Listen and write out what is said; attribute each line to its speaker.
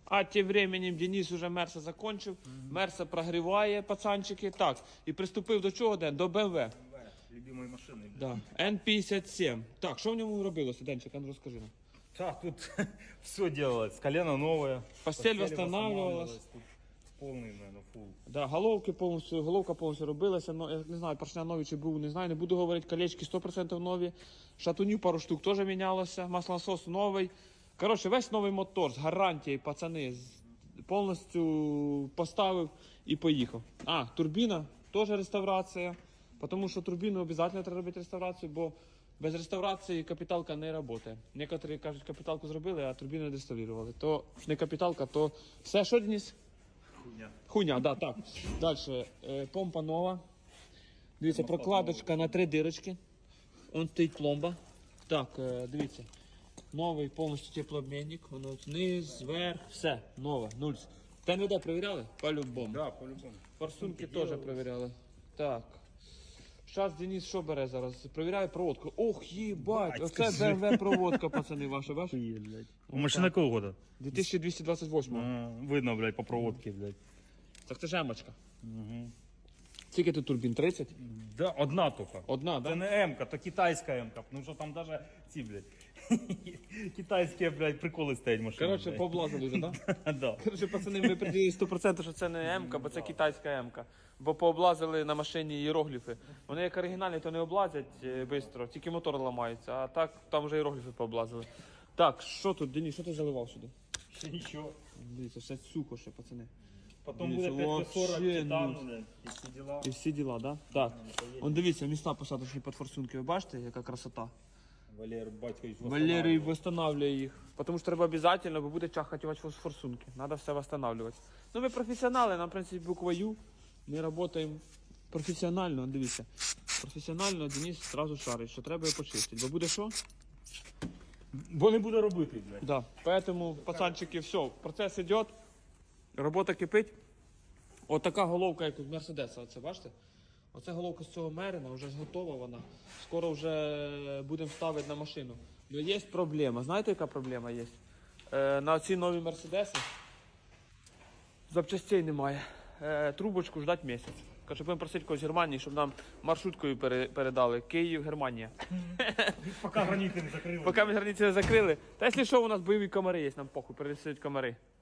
Speaker 1: А тим временем Денис уже Мерса закончив. Мерса прогріває, пацанчики. Так, і приступив до чого, Ден? До BMW.
Speaker 2: Любимої машини.
Speaker 1: Да. N57. Так, що в ньому робилося, Денчик, а ну розкажи нам.
Speaker 2: Так, тут все делалось. Колено новое.
Speaker 1: Постель восстанавливалась.
Speaker 2: Тут полный, наверное, фул.
Speaker 1: Да, головка повністю робилася, но, я не знаю, поршня нові чи був, не знаю, не буду говорити, колечки 100% нові, шатунів пару штук теж мінялося, маслонасос новий. Коротше, весь новий мотор з гарантією, пацани, повністю поставив і поїхав. А, турбіна теж реставрація, тому що турбіну обов'язково треба робити реставрацію, бо без реставрації капіталка не працює. Некоторі кажуть, капіталку зробили, а турбіну не реставрували. То не капіталка, то все, що Денис? Хуйня, да, так. Далі. Помпа нова. Дивіться, прокладочка на 3 дирочки. Он стоїть пломба. Так, дивіться. Новий повністю теплообмінник. Воно вниз, вверх, все, нове, нульс. ТНВД перевіряли? По-любому.
Speaker 2: Да, по-любому.
Speaker 1: Форсунки теж перевіряли. Так. Зараз Денис що бере зараз? Перевіряє проводку. Ох, їбать, оце BMW проводка, пацани, ваша, бачиш?
Speaker 2: Машина какого года?
Speaker 1: 2228.
Speaker 2: Видно, блядь, по проводке, блядь.
Speaker 1: Так це жемочка. Скільки тут турбін? 30?
Speaker 2: Да, одна только.
Speaker 1: Одна,
Speaker 2: Це
Speaker 1: да?
Speaker 2: не М-ка, то китайська М-ка. Ну що там даже ці, блядь, китайські, блядь, приколи стоять машини.
Speaker 1: Коротше, пооблазили вже, так? Да?
Speaker 2: Да.
Speaker 1: Коротше, пацани, ми приділили 100%, що це не М-ка, бо це китайська М-ка. Бо пооблазили на машині іерогліфи. Вони як оригінальні, то не облазять швидко, тільки мотор ламається, а так там вже іерогліфи пооблазили. Так, що тут, Денис, що ти заливав сюди?
Speaker 2: Ще нічого.
Speaker 1: Дивіться, все сухо ще, пацани.
Speaker 2: Потом
Speaker 1: Дивіться,
Speaker 2: буде 540
Speaker 1: вообще,
Speaker 2: титану,
Speaker 1: ну.
Speaker 2: блядь, і всі діла.
Speaker 1: І всі діла, да? Так. Он дивіться, міста посадочні під форсунки, ви бачите, яка красота?
Speaker 2: Валер Батькович
Speaker 1: Валерій восстанавливає їх. Тому що треба обов'язково, бо буде чахати у вас форсунки. Треба все восстанавливати. Ну ми професіонали, нам, в принципі, буква Ю. Ми працюємо професіонально, дивіться. Професіонально Денис одразу шарить, що треба його почистити. Бо буде що?
Speaker 2: Бо не буде робити, блядь.
Speaker 1: Да. Поэтому, пацанчики, все, процес йде, робота кипить. От така головка, як у Мерседеса, оце бачите? Оце головка з цього Мерина, вже готова вона. Скоро вже будемо ставити на машину. Але є проблема. Знаєте, яка проблема є? На ці нові Мерседеси запчастей немає. Трубочку ждать місяць. Каже, будемо просити когось з Германії, щоб нам маршруткою передали. Київ, Германія.
Speaker 2: Поки границі не закрили.
Speaker 1: Поки ми границі не закрили. Та якщо що, у нас бойові комари є, нам похуй, пересидять комари.